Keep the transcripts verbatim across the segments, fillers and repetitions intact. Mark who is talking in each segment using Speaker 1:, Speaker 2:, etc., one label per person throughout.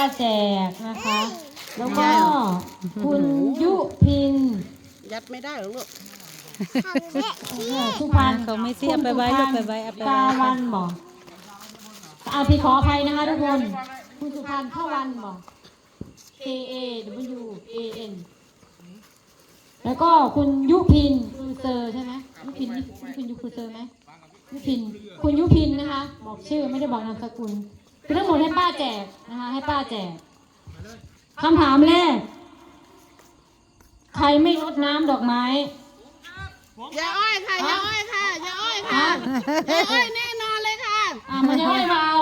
Speaker 1: แจกนะคะแล้วก็คุณยุพิน
Speaker 2: ยัดไม่ได้หรอกลูก
Speaker 1: สุพรรณ
Speaker 3: เขาไม่เสียไปไว้ลูกไปไว้เอาไปไว้
Speaker 1: ตาวันบอกอาพี่ขออภัยนะคะทุกคนคุณสุพรรณเข้าวันบอก K A W A N แล้วก็คุณยุพินคุณเซอร์ใช่ไหมยุพินยุพินยุคุณเซอร์ไหมยุพินคุณยุพินนะคะบอกชื่อไม่ได้บอกนามสกุลคือทั้งหมดให้ป้าแจกนะคะให้ป้าแจกคำถามแรกใครไม่รดน้ำดอกไม้
Speaker 2: ยาอ้อยค่ะยาอ้อยค่ะยาอ้อยค่ะยาอ้อยแน่นอนเลยค่ะ
Speaker 1: อ่ามันจะไม่เบา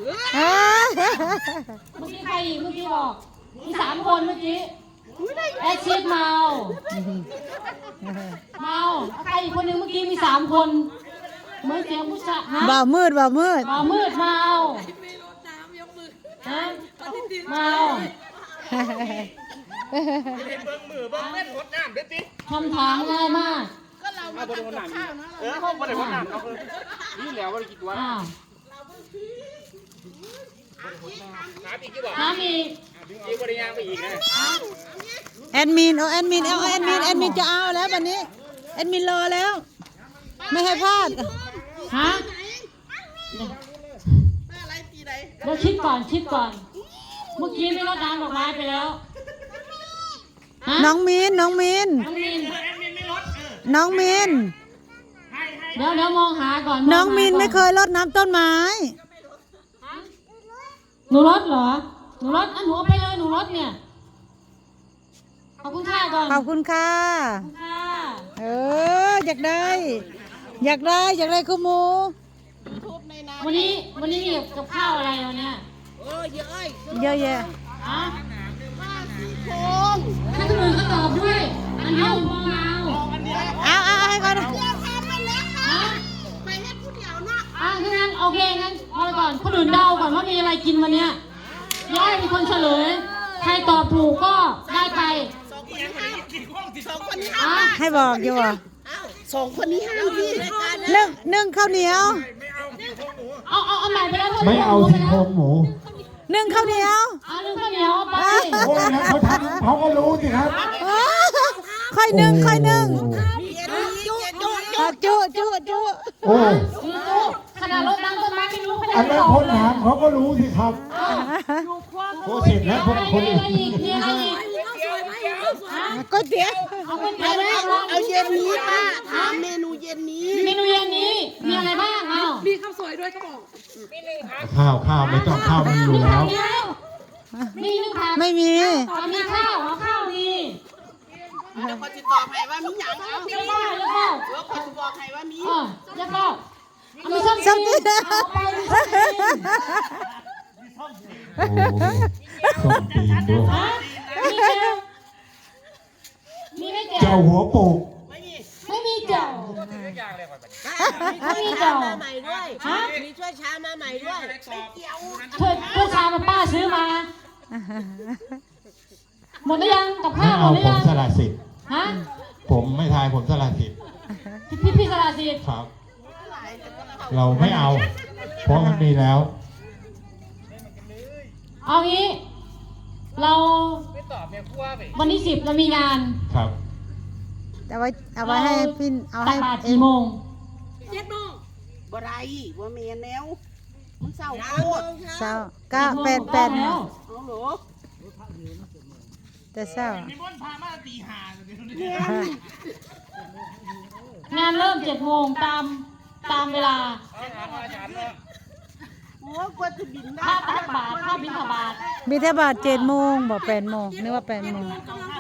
Speaker 1: เมื่อกี้ใครอีกเมื่อกี้บอกมีสามคนเมื่อกี้แอดชิดเมาเมาใครอีกคนนึงเมื่อกี้มีสามคนเหมือนเสียงผู้ชายฮะ
Speaker 3: บ่าวมืดบ่าวมืด
Speaker 1: บ่าวมืดเมาฮะเมาคำถามง่ายมาก
Speaker 2: ก็เรามาทำกับข้าวนะ
Speaker 4: เออเขาไม่ได้วัดน้ำเขาคือนี่แล้วว่ากี่ตัว
Speaker 1: อ้าว
Speaker 4: น้ำอีกกี่บ่
Speaker 1: น้ำอีก
Speaker 4: อีกบริยางไปอีกนะ
Speaker 3: แอดมินเอาแอดมินเอาแอดมินแอดมินจะเอาแล้ววันนี้แอดมินรอแล้วไม่ให้พลาด
Speaker 1: ฮะเราคิดก่อนคิดก่อนเมื่อกี้ไม่รดน้ำดอกไม้ไปแล้ว
Speaker 3: น้องมินน้องมิน
Speaker 1: น้องมิน
Speaker 3: น้องมิน
Speaker 1: เดี๋ยวเดี๋ยวมองหาก่อน
Speaker 3: น้องมินไม่เคยรดน้ำต้นไม้
Speaker 1: หนูรดเหรอหนูรดอ่ะหนูเอาไปเลยหนูรดเนี่ยขอบคุณค่ะก่อน
Speaker 3: ขอบคุณค่ะเอออยากได้อยากได้อยากได้ข้าวหมู
Speaker 1: วันนี้วันนี้กับข้าวอะไรวันเนี้ย
Speaker 2: โอ้เยอะเลย
Speaker 3: เยอะแยะ
Speaker 1: ฮะ
Speaker 2: ข้าวสีโค้ง
Speaker 1: ให้คนอื่นเขาตอบด้วยอันนี้ผมมองเอา
Speaker 3: เอาเอาให้ก่อน
Speaker 2: เดี๋ยวทำมันแล้วค่ะไปให้ผู้เดียวเนาะ
Speaker 1: อ่ะงั้นโอเคงั้นพอก่อนคนอื่นเดาก่อนว่ามีอะไรกินวันเนี้ยย่อยเป็นคนเฉลยใครตอบถูกก็ได้ไป
Speaker 2: สองคนนี้ห้ามสองคนนี้ห้าม
Speaker 3: ให้บอกอยู่อ่ะ
Speaker 2: สองคนนี้ห้ามพี่
Speaker 3: นึ่งนึ่งข้าวเหนียว
Speaker 1: เอาเอาเอาใหม่ไปแล้ว
Speaker 5: ไม่เอาซี่โครงหมู
Speaker 3: นึ่งข้าวเหนียว
Speaker 1: เอานึ่งข้าวเหนียวไป
Speaker 5: โอ้ยแล้วเขาทำเขาก็รู้สิครับ
Speaker 3: ค่อยนึ่งค่อยนึ่งจุจุจุ
Speaker 5: โอ้
Speaker 1: ขนาดรถน้ำต้นไม้ไม่รู้
Speaker 5: อันนั้นคนถามเขาก็รู้สิครับโอ้เสร็จแล้วคนคนอื่น
Speaker 1: มีอะไรอีก
Speaker 3: ก๋วยเตี๋ยว
Speaker 1: เอาก๋วยเตี๋ยว
Speaker 2: เอาเย็นนี้ป้าถามเมนูเย็นนี้
Speaker 1: เมนูเย็นนี้มีอะไรบ้างเอา
Speaker 2: มีข้าวสวยด้วยก็บอก
Speaker 5: ข้าวข้าวไม่ต้องข้าวมีอยู่แล้ว
Speaker 1: มีนึงค่ะ
Speaker 3: ไม่มี
Speaker 1: มีข้าวเอาข้าวมี
Speaker 2: เดี๋ยวคนจะตอบให้ว่ามีอย่างเอา
Speaker 1: แล้วก็แล้วก็
Speaker 2: เดี๋ยวคนจะบอกให้ว่ามี
Speaker 1: อ๋อแล้วก็มีส้มจีนเอาไปมีส้มจีน
Speaker 5: โอ้ส้มจีนด้วย
Speaker 1: มีเจ้ามีไม่เจ้า
Speaker 5: เจ้าหัวโปก
Speaker 1: ไม่มีเจ้า
Speaker 2: ไม่มีเจ้ามาใหม่ด้วยฮะมีช่วยช้ามาใหม่ด้วยไม่เกี่ยว
Speaker 1: ช่วยช่วยชามาป้าซื้อมาหมดหรือยังกับข้าวหมดหรือยัง
Speaker 5: ผมสละสิทธิ์
Speaker 1: ฮะ
Speaker 5: ผมไม่ทายผมสละสิทธิ์
Speaker 1: พี่พี่สละสิทธิ์
Speaker 5: ครับเราไม่เอาเพราะมันมีแล้ว
Speaker 1: เอางี้เราวันที่สิบเรามีงาน
Speaker 5: ครับ
Speaker 3: เอาไว้เอาไว้ให้พี่เอาให้
Speaker 1: ตักบาตรกี่โมง
Speaker 2: เจ็ดโมงบ่ไรว่าเมียแนวมันเศร้าโคตร
Speaker 3: เศร้าเก้าแปดแปด
Speaker 1: แล้ว
Speaker 2: เอาหรอ
Speaker 3: แต่เศร้า
Speaker 1: งานเริ่มเจ็ดโมงตามตามเวลา
Speaker 2: โอ้กว่าจะบินได้
Speaker 1: ถ้าตักบาตรถ้าบิณฑบาต
Speaker 3: บิณฑบาตเจ็ดโมงบอกแปดโมงนึกว่าแปดโมง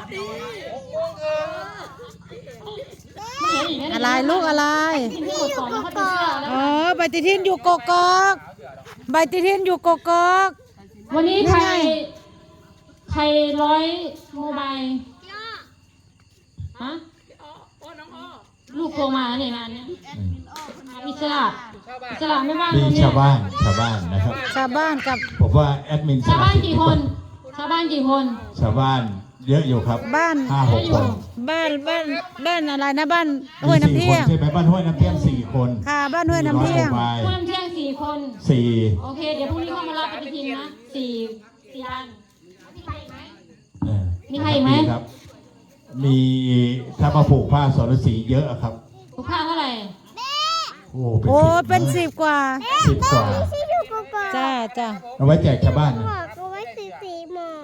Speaker 3: อะไรลูกอะไรอ๋อใบติทินอยู่กกอกใบติทินอยู่กกอก
Speaker 1: วันนี้ใครใครร้อยโมบายฮะลูกโทรมาเนี่ยงานเนี้ยอิสระอิสระไม่ว่าง
Speaker 5: มีชาวบ้านชาวบ้านนะครับ
Speaker 3: ชาวบ้านกับ
Speaker 5: ผมว่าแอดมิน
Speaker 1: ชาวบ้านกี่คนชาวบ้านกี่คน
Speaker 5: ชาวบ้านเยอะอยู่ครับ
Speaker 3: บ้าน
Speaker 5: ห้าหกคน
Speaker 3: บ้านบ้านบ้านอะไรนะบ้านห้วยน้ำเที่ยง
Speaker 5: ใช่ไหมบ้านห้วยน้ำเที่ยงสี่คน
Speaker 3: ค่ะบ้านห้วยน้ำเที่ยง
Speaker 1: ห้วยน้ำเที่ยงสี่คน
Speaker 5: สี่
Speaker 1: โอเคเดี๋ยวพรุ่งนี้เข้ามารับปฏิทินนะสี่สี่อันมีใครอีกไหม
Speaker 5: เออ
Speaker 1: มีใครอีกไหม
Speaker 5: ครับ มีถ้ามาผูกผ้าสรสีเยอะอะครับ
Speaker 1: ผูกผ้าเท่าไหร่
Speaker 5: โอ้
Speaker 3: โอ้เป็นสิบกว่า
Speaker 5: สิบกว่า
Speaker 3: จ้าจ้า
Speaker 5: เอาไว้แจกชาวบ้านนะ
Speaker 6: เอาไว้สีสีหมอก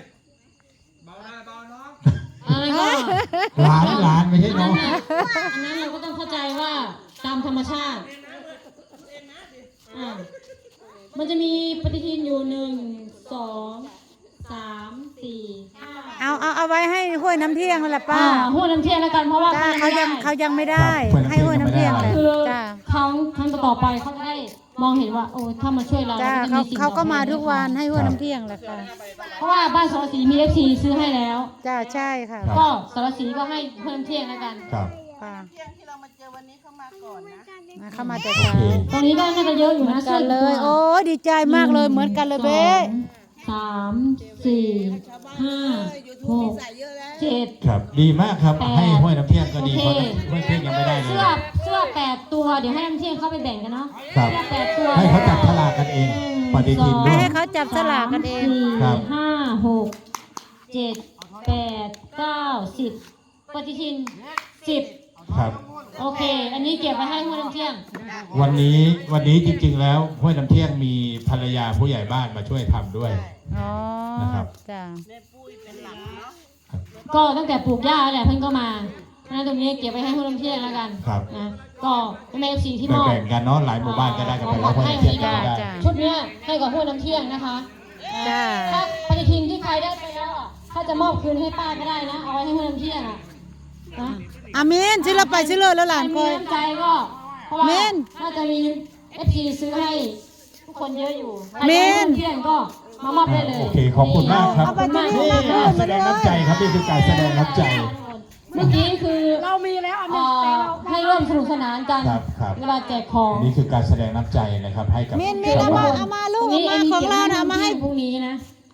Speaker 1: อันนั้นก็
Speaker 5: หลานหลานไม่ใช่
Speaker 1: อัน
Speaker 5: น้
Speaker 1: นั้
Speaker 5: อน ง
Speaker 1: น่ะอันนั้นเราก็ต้องเข้าใจว่าตามธรรมชาติอ่ามันจะมีปฏิทินอยู่หนึ่งสองสามสี่ห้า
Speaker 3: เอาเอาเอาไว้ให้ห้วยน้ำเที่ยงนั่นแหละป้า
Speaker 1: อ่าห้วยน้ำเที่ยงแล้วกันเพราะว่า
Speaker 3: จ้าเขายังเขายังไม่ได้ ให้ห้วยน้ำเที่ยงแหละ
Speaker 1: คือ
Speaker 3: จ้า
Speaker 1: ครั้งครั้งต่อไปเขาจะได้มองเห็นว่าโอ้ถ้ามาช่วยเรา
Speaker 3: จ้า
Speaker 1: รจะ
Speaker 3: เขา
Speaker 1: สิ่ง
Speaker 3: เขาก็
Speaker 1: ตอบแท
Speaker 3: มาทุกวันให้ห้วย
Speaker 5: ครับ
Speaker 3: น้ำเที่ยงแหละค่ะ
Speaker 1: เพราะว่าบ้านสารสีมีเอฟซีซื้อให้แล้ว
Speaker 3: จ้าใช่ค่ะ
Speaker 5: ครับ
Speaker 1: ก็สารสีก็ให้เพิ่มเที่ยงแล้วกัน
Speaker 5: ครับ
Speaker 3: ป้า
Speaker 2: เที่ยงที่เรามาเจอวันนี้เข้ามาก่อนนะ
Speaker 3: นะเข้ามาแต่
Speaker 5: โอ
Speaker 3: เช้า
Speaker 5: เค
Speaker 1: ตรงนี้ก็น่าจะเยอะอยู่
Speaker 3: เหมือ
Speaker 1: นะ
Speaker 3: นกันเลย โอ้ยดีใจมากเลยเหมือนกันเลยเบ้
Speaker 1: สามสี่ห้าหกเจ็ด
Speaker 5: ครับ ดีมากครับ
Speaker 1: แปด
Speaker 5: ให้ห้วยน้ำเที่ยงก็ดี
Speaker 1: โอ
Speaker 5: เพราะ
Speaker 1: เค
Speaker 5: ห้วยน้ำเที่ยงยังไม่ได้เลย
Speaker 1: เสื้อเสื้อแปดตัวเดี๋ยวให้น้ำเที่ยงเข้าไปแบ่งกันเนาะ
Speaker 5: ครับ
Speaker 1: เสื้อแปดตัว
Speaker 5: ให้เขาจับฉลากกันเอง ปฏิทิน
Speaker 3: ให้
Speaker 5: ด้วย
Speaker 3: ให้เขาจับสลากกันเอง
Speaker 1: สี่
Speaker 5: ครับ
Speaker 1: ห้าหกเจ็ดแปดเก้าสิบปฏิทินสิบ
Speaker 5: ครับ
Speaker 1: โอเค อันนี้เก็บไว้ให้ห้วยน้ำเที่ยง
Speaker 5: วันนี้วันนี้จริงๆแล้วห้วยน้ำเที่ยงมีภรรยาผู้ใหญ่บ้านมาช่วยทำด้วย
Speaker 3: อ๋อ
Speaker 5: นะครับ
Speaker 3: จ้า
Speaker 2: แม่ปุ้ยเป็นหลักเนาะ
Speaker 1: ก็ตั้งแต่ปลูกหญ้าแหละเพิ่นก็มาเพราะฉะนั้นตรงนี้เก็บไว้ให้ห้วยน้ำเที่ยงแล้วกัน
Speaker 5: ครับ
Speaker 1: นะก็เป็นเอฟซีที่มอบ
Speaker 5: แบ่งๆกันเนาะหลายหมู่บ้านก็ได้กันไปแล้วห้วยน้ำเที่ยงก็ไม่ได้
Speaker 3: จ้า
Speaker 1: ชุดเนี้ยให้กับห้วยน้ำเที่ยงนะคะ
Speaker 3: จ้า
Speaker 1: ถ้าปฏิทินที่ใครได้ไปแล้วอ่ะถ้าจะมอบคืนให้ป้าก็ได้นะ เอาไว้ให้ห้วยน้ำเที่ยงอ่ะนะ
Speaker 3: อามินซื้อเราไปซื้อเลยแล้วหลาน
Speaker 1: ใค
Speaker 3: ค
Speaker 1: ร
Speaker 3: อ
Speaker 1: มี
Speaker 3: ย
Speaker 1: น้ำใจก็เพราะว่า
Speaker 3: เมน
Speaker 1: น่าจะมีเอฟซีซื้อให้ทุกคนเยอะอยู่
Speaker 3: เมน
Speaker 1: ใครจะให้ห้วยน้ำเที่ยงก็มามอบได้เลย
Speaker 5: โอเคขอบคุณมากครับ
Speaker 1: ขอบคุณมาก
Speaker 5: นี่อ่ะแสดงน้ำใจครับนี่คือการแสดงน้ำใจ
Speaker 1: เมื่อกี้คือเรามีแล้วให้ร่วมสนุกสนานกัน
Speaker 5: ครับครับ
Speaker 1: เวลาแจกของ
Speaker 5: นี่คือการแสดงน้ำใจนะครับให้กับ
Speaker 3: เมนเมนเอามาเอามาลูกเอามาของเรานะเอามาให้
Speaker 1: พรุ่งนี้นะ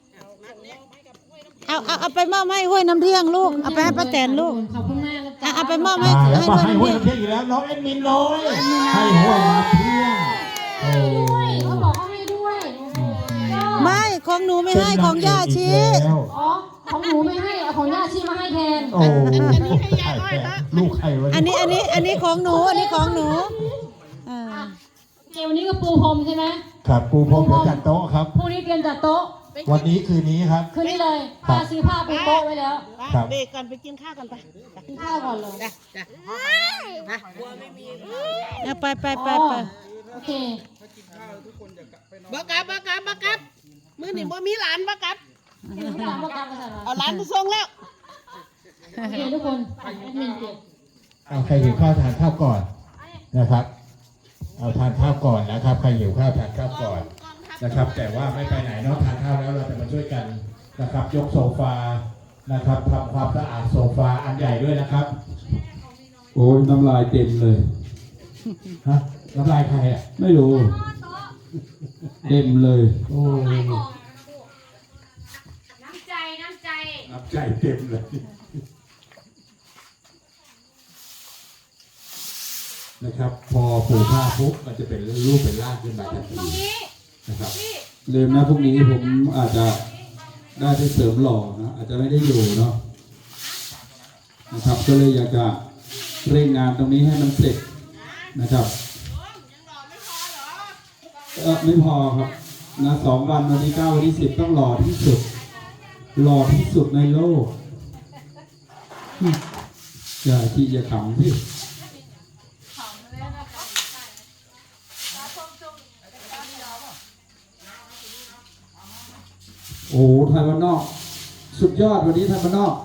Speaker 3: เอาเอาเอาไปมอบให้ห้วยน้ำเที่ยงลูก เอาไปให้ป้าแตนลูก
Speaker 1: ขอบคุณมากนะจ๊ะ
Speaker 3: เอาเอาไปมอบให้
Speaker 5: มาแล้ว
Speaker 3: ให้
Speaker 5: มา
Speaker 3: ห้วย
Speaker 5: ให้
Speaker 3: น้ำ
Speaker 5: ห้วย
Speaker 3: เที่ยง
Speaker 5: น้ำเที่ยงอีกแล้วน้องเอ็ดมินน้อยให้ห้วยน้ำเที่ยงโอ้
Speaker 1: ด้วยเขาบอกเขาให้ด้วยก็
Speaker 3: ไม่ของหนูไม่ให้ของย่าชี
Speaker 5: เป็นนางเอกอีกแล้ว
Speaker 1: อ๋อของหนูไม่ให้เอาของย่าชีมาให้แทน
Speaker 5: โอ้ลูกใครวะ
Speaker 3: อันนี้อันนี้อันนี้ของหนูอันนี้ของหนูอ่า
Speaker 1: เกมวันนี้ก็ปูพรมใช่ไหม
Speaker 5: ครับปูพรมเดี๋ยวจัดโต๊ะครับ
Speaker 1: พรุ่งนี้เตรียมจัดโต๊ะ
Speaker 5: วันนี้คืนนี้ครับ
Speaker 1: คืนนี้เลย
Speaker 5: ครับ
Speaker 1: ป้าซื้อผ้าปูโต๊ะไว้แล้ว
Speaker 5: ครับ
Speaker 2: เบรกก่อนไปกินข้าวกันไป
Speaker 1: กินข้าวก่อนเลย
Speaker 2: จ้ะจ้ะนะกลัวไม่มี
Speaker 3: เอาไปไปไปไป
Speaker 1: โอเค
Speaker 2: บักกับบักกับบักกับมือหนึ่งบ่มีหลานบักกับ
Speaker 1: ไม่ต้องประกันภาษา
Speaker 2: เอาหลานมาส่งแล้ว
Speaker 1: โอเคทุกคนแอดมินเก็บ
Speaker 5: เอาใครหิวข้าวทานข้าวก่อนนะครับ เอาทานข้าวก่อนนะครับใครหิวข้าวทานข้าวก่อนนะครับ แต่ว่าไม่ไปไหนเนาะทานข้าวแล้วเราจะมาช่วยกันนะครับ ยกโซฟานะครับทำความสะอาดโซฟาอันใหญ่ด้วยนะครับ
Speaker 7: โอ้ยน้ำลายเต็มเลย
Speaker 5: ฮะน้ำลายใครอ่ะ
Speaker 7: ไม่รู้ เต็มเลย
Speaker 5: โอ้
Speaker 1: น้ำใจน้ำใจ
Speaker 5: น้ำใจเต็มเลยนะครับ พอผูกผ้าปุ๊บมันจะเป็นรูปเป็นร่างขึ้นมาทันทีนะครับ
Speaker 7: ลืมนะพรุ่งนี้ผมอาจจะได้ไปเสริมหล่อนะ อาจจะไม่ได้อยู่เนาะนะครับ ก็เลยอยากจะเร่งงานตรงนี้ให้มันเสร็จนะครับเออไม่พอครับนะสองวันวันที่เก้าวันที่สิบต้องหล่อที่สุด หล่อที่สุดในโลกอย่าที่จะขำพี่ โอ้ไทยบ้านนอก สุดยอดวันนี้ไทยบ้านนอก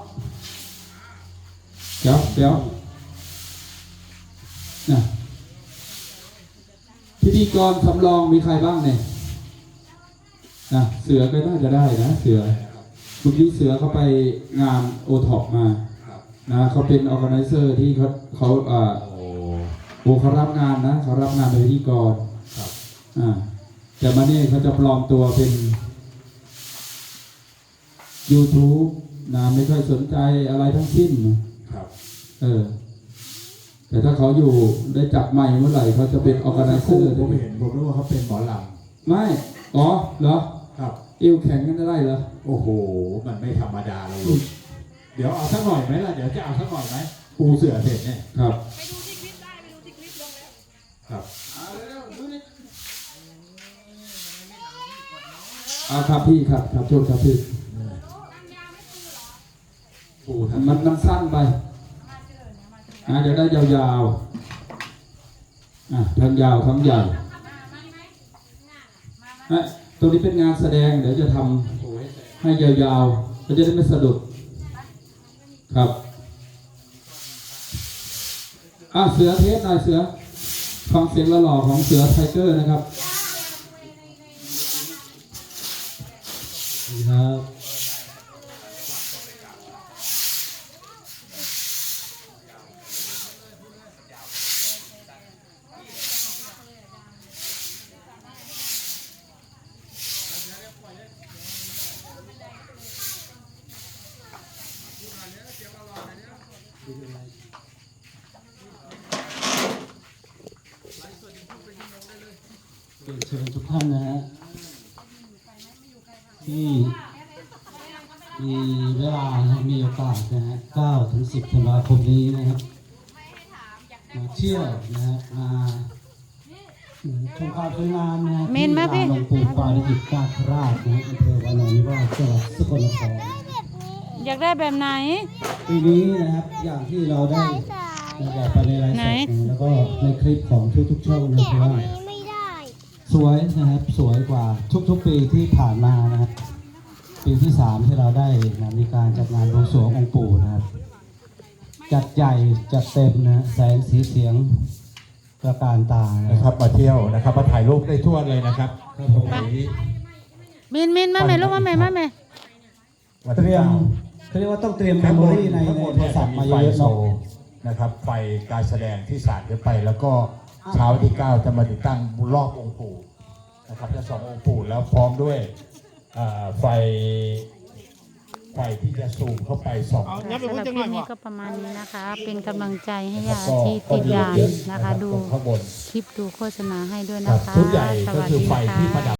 Speaker 7: เดี๋ยวเดี๋ยวนะพิธีกรสำรองมีใครบ้างเนี่ยนะเสือก็น่าจะได้นะเสือเมื่อกี้เสือเขาไปงานโอท็อปมานะเขาเป็นออร์แกไนเซอร์ที่เขาเขาอ่า
Speaker 5: โอ้
Speaker 7: โอ้เขารับงานนะเขารับงานเป็นพิธีกร
Speaker 5: ครับ
Speaker 7: อ่าแต่มาเนี่ยเขาจะปลอมตัวเป็น YouTube นะไม่ค่อยสนใจอะไรทั้งสิ้น
Speaker 5: ครับ
Speaker 7: เออ แต่ถ้าเขาอยู่ได้จับไมค์เมื่อไหร่เขาจะเป็นออร์แกไนเซอร์
Speaker 5: ผมเห็นผมรู้ว่าเขาเป็นหมอล
Speaker 7: ไม่ อ๋อ เหรอ
Speaker 5: ำครับ
Speaker 7: เเอวแข็งกันได้เหรอ
Speaker 5: โอ้โห มันไม่ธรรมดาเลยลูกเดี๋ยวเอาสักหน่อยไหมล่ะ เดี๋ยวจะเอาสักหน่อยไหมปูเสือเสร็จเนี่ย
Speaker 7: ครับ
Speaker 5: ครับ
Speaker 7: เอาครับพี่ครับครับโทษครับพี่
Speaker 5: ปูท
Speaker 7: มันมันสั้นไปอ่าเดี๋ยวได้ยาวๆอ่ะทั้งยาวทั้งใหญ่อ่ะตัวนี้เป็นงานแสดงเดี๋ยวจะทำให้ยาวๆเราจะได้ไม่สะดุดครับอ่ะเสือเทสหน่อยเสือฟังเสียงหล่อๆของเสือไทเกอร์นะครับครับ
Speaker 8: เรียนเชิญทุกท่านนะฮะที่มีเวลานะมีโอกาสนะฮะเก้าถึงสิบธันวาคมนี้นะครับมาเที่ยวนะฮะมาชมความสวยงามนะฮะ
Speaker 3: เมนมาพี่
Speaker 8: ที่ลานหลวงปู่ปาริจิตนาคราชนะฮะอำเภอวานอนนิวาสจังหวัดสกลนคร
Speaker 3: อยากได้แบบไหน
Speaker 8: ปีนี้นะครับอย่างที่เราได้
Speaker 6: สาย
Speaker 8: บอกไปในไลฟ์ส
Speaker 3: ไหน
Speaker 8: ดนะแล้วก็ในคลิปของทุกๆช่องนะ
Speaker 6: แกะ
Speaker 8: ครับ
Speaker 6: อัน
Speaker 8: ว่า
Speaker 6: นี้ไม่ได้
Speaker 8: สวยนะครับสวยกว่าทุกๆปีที่ผ่านมานะครับปีที่สามที่เราได้นะมีการจัดงานบวงสรวงองค์ปู่นะครับจัดใหญ่จัดเต็มนะแสงสีเสียงประการตานะ
Speaker 5: นะ
Speaker 8: ค
Speaker 5: ครับ รับมาเที่ยวนะครับมาถ่ายรูปได้ทั่วเลยนะครับ
Speaker 8: ครับผม
Speaker 5: วันนี้
Speaker 3: มินมินมาแม่ลูกมาแม่มาแม่
Speaker 5: วัน
Speaker 8: เต
Speaker 5: ที่
Speaker 8: รียม
Speaker 5: เก้า
Speaker 8: เขาเรียกว่าต้องเตรียมเม
Speaker 5: ข้าง
Speaker 8: ม
Speaker 5: บ
Speaker 8: โม
Speaker 5: น
Speaker 8: รี่ใน
Speaker 5: ข้าง
Speaker 8: ใน
Speaker 5: บน
Speaker 8: โทร
Speaker 5: เนี่ย
Speaker 8: ศั
Speaker 5: จะ
Speaker 8: พท์
Speaker 5: มี
Speaker 8: มา
Speaker 5: ไฟ
Speaker 8: เยอะๆ
Speaker 5: โช
Speaker 8: เนาะ
Speaker 5: ว์นะครับ ไฟการแสดงที่ศาลขึ้นไป แล้วก็เช้าที่เก้าจะมาติดตั้งรอบองค์ปู่นะครับจะสององค์ปู่แล้วพร้อมด้วยเอ่อไฟไฟที่จะซูมเข้าไปสอง
Speaker 4: เอา
Speaker 3: สำห
Speaker 4: เนี้
Speaker 3: รั
Speaker 4: ย
Speaker 3: บ
Speaker 4: ไป
Speaker 3: ค
Speaker 4: พู
Speaker 3: ลิ
Speaker 4: ด
Speaker 3: ป
Speaker 4: จังหน่อย
Speaker 3: นี้
Speaker 4: ว่ะ
Speaker 3: ก็ประมาณนี้นะคะ เป็นกำลังใจให้
Speaker 5: แล้ว
Speaker 3: ยา
Speaker 5: ก็
Speaker 3: ที่ติดยา
Speaker 5: เยอะ
Speaker 3: นะคะ
Speaker 5: รับ
Speaker 3: ดู
Speaker 5: ตรงข้างบน
Speaker 3: คลิปดูโฆษณาให้ด้วย
Speaker 5: ครั
Speaker 3: นะ
Speaker 5: บ
Speaker 3: คะ
Speaker 5: ชุดใหญ่
Speaker 3: ส
Speaker 5: ก็
Speaker 3: วัส
Speaker 5: คือ
Speaker 3: ดี
Speaker 5: ไฟที่ประดั
Speaker 3: ค่ะ
Speaker 5: บ